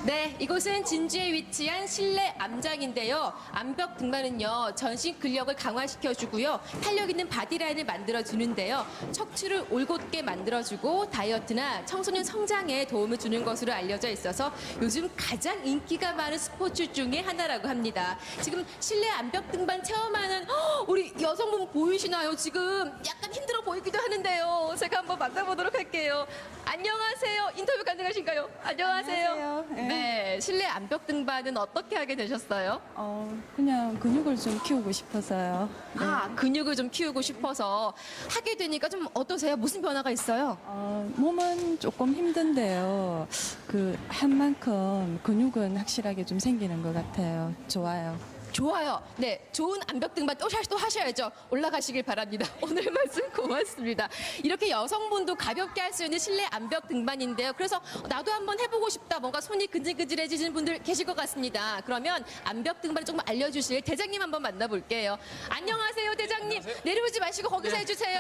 네, 이곳은 진주에 위치한 실내 암장인데요. 암벽 등반은요, 전신 근력을 강화시켜주고요. 탄력 있는 바디라인을 만들어주는데요. 척추를 올곧게 만들어주고 다이어트나 청소년 성장에 도움을 주는 것으로 알려져 있어서 요즘 가장 인기가 많은 스포츠 중에 하나라고 합니다. 지금 실내 암벽 등반 체험하는 우리 여성분 보이시나요? 지금 약간 힘들어 보이기도 하는데요. 제가 한번 만나보도록 할게요. 안녕하세요. 인터뷰 가능하신가요? 안녕하세요. 안녕하세요. 네, 실내 암벽 등반은 어떻게 하게 되셨어요? 그냥 근육을 좀 키우고 싶어서요. 네. 근육을 좀 키우고 싶어서 하게 되니까 좀 어떠세요? 무슨 변화가 있어요? 몸은 조금 힘든데요. 한 만큼 근육은 확실하게 좀 생기는 것 같아요. 좋아요. 좋아요. 네, 좋은 암벽 등반 또 하셔야죠. 올라가시길 바랍니다. 오늘 말씀 고맙습니다. 이렇게 여성분도 가볍게 할 수 있는 실내 암벽 등반인데요. 그래서 나도 한번 해보고 싶다. 뭔가 손이 근질근질해지시는 분들 계실 것 같습니다. 그러면 암벽 등반 조금 알려주실 대장님 한번 만나볼게요. 안녕하세요, 대장님. 안녕하세요. 내려오지 마시고 거기서 네. 해주세요.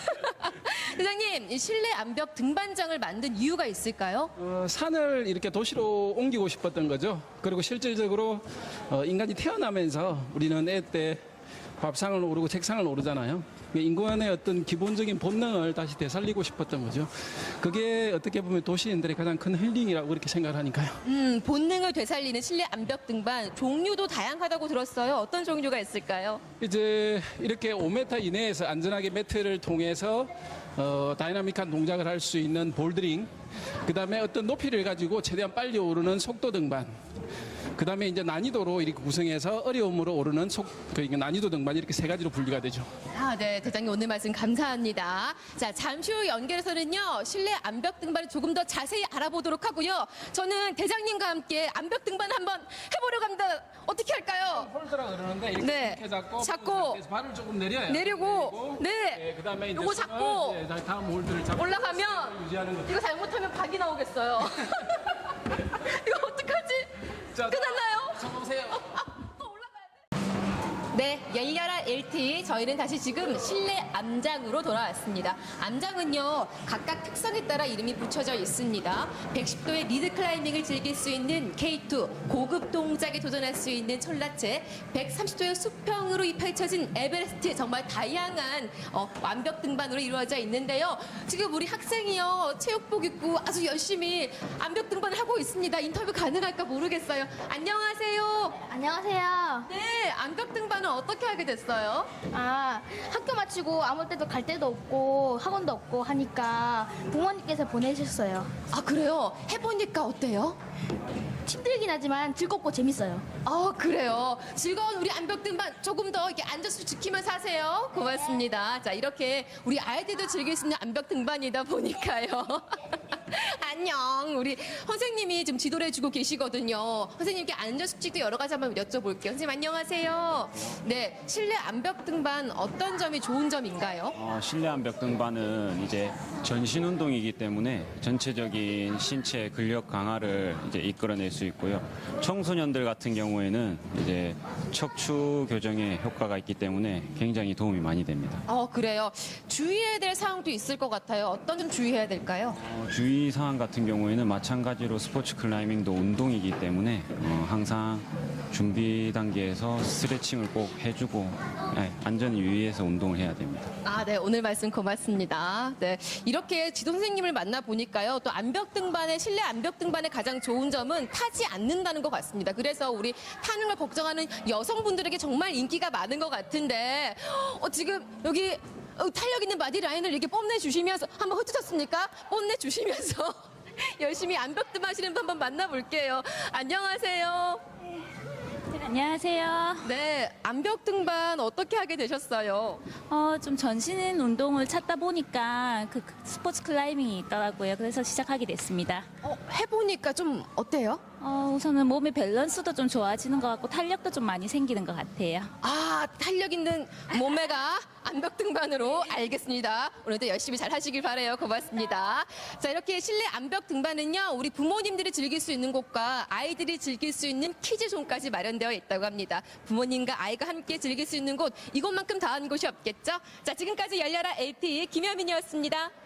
대장님, 이 실내 암벽 등반장을 만든 이유가 있을까요? 산을 이렇게 도시로 옮기고 싶었던 거죠. 그리고 실질적으로 인간이 태어나면서 우리는 애 때 밥상을 오르고 책상을 오르잖아요. 인간의 어떤 기본적인 본능을 다시 되살리고 싶었던 거죠. 그게 어떻게 보면 도시인들의 가장 큰 힐링이라고 그렇게 생각을 하니까요. 본능을 되살리는 실내 암벽 등반 종류도 다양하다고 들었어요. 어떤 종류가 있을까요? 이제 이렇게 5m 이내에서 안전하게 매트를 통해서 다이나믹한 동작을 할 수 있는 볼드링, 그 다음에 어떤 높이를 가지고 최대한 빨리 오르는 속도 등반, 그 다음에 이제 난이도로 이렇게 구성해서 어려움으로 오르는 그러니까 난이도 등반 이렇게 세 가지로 분류가 되죠. 네, 대장님 오늘 말씀 감사합니다. 자, 잠시 후 연결해서는요, 실내 암벽 등반을 조금 더 자세히 알아보도록 하고요. 저는 대장님과 함께 암벽 등반 한번 해보려고 합니다. 어떻게 할까요? 홀드라 그러는데 이렇게 네. 잡고 발을 조금 내려요. 내리고, 네. 그다음에 이제 요거 잡고 다음 홀드를 잡고 올라가면 유지하는 거죠. 이거 잘못하면 박이 나오겠어요. 이거 어떡하지? 자, 끝났나요? 잡아보세요. 또 올라가야 돼. 네, 열려라 LT. 저희는 다시 지금 실내 암장으로 돌아왔습니다. 암장은요, 각각 특성에 따라 이름이 붙여져 있습니다. 110도의 리드 클라이밍을 즐길 수 있는 K2, 고급 동작에 도전할 수 있는 철라체, 130도의 수평으로 펼쳐진 에베레스트, 정말 다양한 완벽 등반으로 이루어져 있는데요. 지금 우리 학생이요, 체육복 입고 아주 열심히 암벽 등반을 하고 있습니다. 인터뷰 가능할까 모르겠어요. 안녕하세요. 안녕하세요. 네, 암벽 등반은 어떻게 하게 됐어요? 학교 마치고 아무 때도 갈 데도 없고 학원도 없고 하니까 부모님께서 보내셨어요. 그래요? 해보니까 어때요? 힘들긴 하지만 즐겁고 재밌어요. 그래요. 즐거운 우리 암벽 등반 조금 더 이렇게 앉아서 지키면서 하세요. 고맙습니다. 자, 이렇게 우리 아이들도 즐길 수 있는 암벽 등반이다 보니까요. 안녕. 우리 선생님이 지금 지도를 해주고 계시거든요. 선생님께 안전 수칙도 여러 가지 한번 여쭤볼게요. 선생님 안녕하세요. 네, 실내 암벽 등반 어떤 점이 좋은 점인가요? 실내 암벽 등반은 이제 전신 운동이기 때문에 전체적인 신체 근력 강화를 이제 이끌어낼 수 있고요. 청소년들 같은 경우에는 이제 척추 교정에 효과가 있기 때문에 굉장히 도움이 많이 됩니다. 그래요. 주의해야 될 사항도 있을 것 같아요. 어떤 점 주의해야 될까요? 주의 사항 같은 경우에는 마찬가지로 스포츠 클라이밍도 운동이기 때문에 항상 준비 단계에서 스트레칭을 꼭 해주고 안전을 유의해서 운동을 해야 됩니다. 네, 오늘 말씀 고맙습니다. 네, 이렇게 지도 선생님을 만나 보니까요, 또 암벽 등반의 실내 암벽 등반의 가장 좋은 점은 타지 않는다는 것 같습니다. 그래서 우리 타는 걸 걱정하는 여성분들에게 정말 인기가 많은 것 같은데, 지금 여기 탄력 있는 바디 라인을 이렇게 뽐내 주시면서 한번 흩어졌습니까? 뽐내 주시면서 열심히 암벽 등반 하시는 분 한번 만나볼게요. 안녕하세요. 안녕하세요. 네, 암벽 등반 어떻게 하게 되셨어요? 좀 전신 운동을 찾다 보니까 그 스포츠 클라이밍이 있더라고요. 그래서 시작하게 됐습니다. 해보니까 좀 어때요? 우선은 몸의 밸런스도 좀 좋아지는 것 같고 탄력도 좀 많이 생기는 것 같아요. 탄력 있는 몸매가 암벽 등반으로 알겠습니다. 오늘도 열심히 잘 하시길 바라요. 고맙습니다. 자, 이렇게 실내 암벽 등반은요, 우리 부모님들이 즐길 수 있는 곳과 아이들이 즐길 수 있는 키즈존까지 마련되어 있다고 합니다. 부모님과 아이가 함께 즐길 수 있는 곳, 이곳만큼 더한 곳이 없겠죠? 자, 지금까지 열려라 LTE 김여민이었습니다.